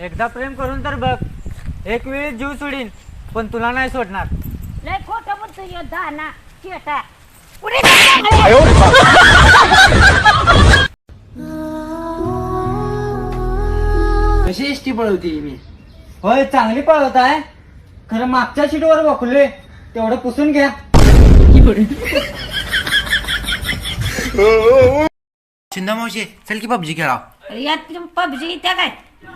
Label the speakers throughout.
Speaker 1: एकदा प्रेम करून तर बघ, एक वेळी जीव सोडीन पण तुला नाही सोडणार.
Speaker 2: लय खोटं बोलतो यो दाना चेटा.
Speaker 3: कशी एसटी पळवती मी?
Speaker 1: होय चांगली पळवत आहे, खरं मागच्या सीटवर बघलोय, तेवढं पुसून घ्या.
Speaker 3: शिंदा मावशी चल की पबजी खेळा.
Speaker 2: यात पबजी त्या काय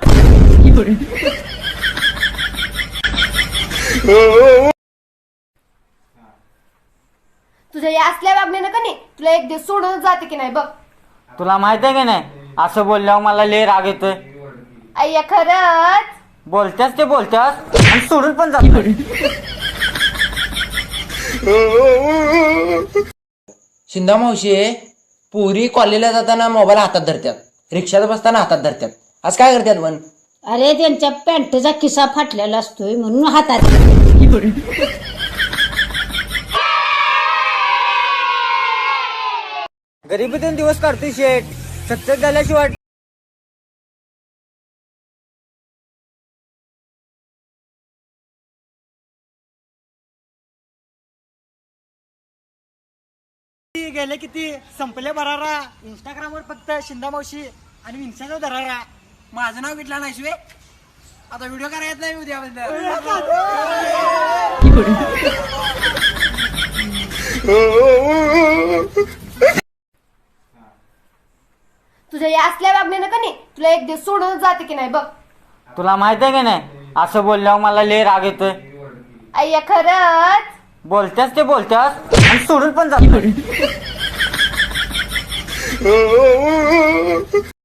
Speaker 4: तुझ्या या असल्या वागण्यानं का नाही तुला एक दिवस सोडून जाते की नाही बघ.
Speaker 1: तुला माहित आहे की नाही, असं बोलल्यावर मला लय राग येतोय.
Speaker 4: अय्या खरंच
Speaker 1: बोलत्यास ते बोलत्यास आणि सोडून पण जात.
Speaker 3: शिंदा मावशी पुरी कॉलेजला जाताना मोबाईल हातात धरतात, रिक्षात बसताना हातात धरतात. आज काय करतात पण?
Speaker 2: अरे त्यांच्या पॅन्टचा खिसा फाटलेला असतोय म्हणून हातात.
Speaker 1: गरिबीतून दिवस काढतोय शेठ, सक्सेस झाल्याशिवाय. गेले किती संपले भरारा. इंस्टाग्रामवर फक्त शिंदा मावशी आणि विंशाचा धरारा.
Speaker 3: माझं नाव घेतलं नाही शिवे, आता व्हिडिओ करायचं नाही उद्या.
Speaker 4: तुझ्या या असल्या वागण्यानं का नाही तुला एक दिवस सोडून जाते की नाही बघ.
Speaker 1: तुला माहित आहे की नाही, असं बोलल्यावर मला लय राग येतोय.
Speaker 4: अय्या खरंच
Speaker 1: बोलत्यास ते बोलत्यास आणि सोडून पण जात.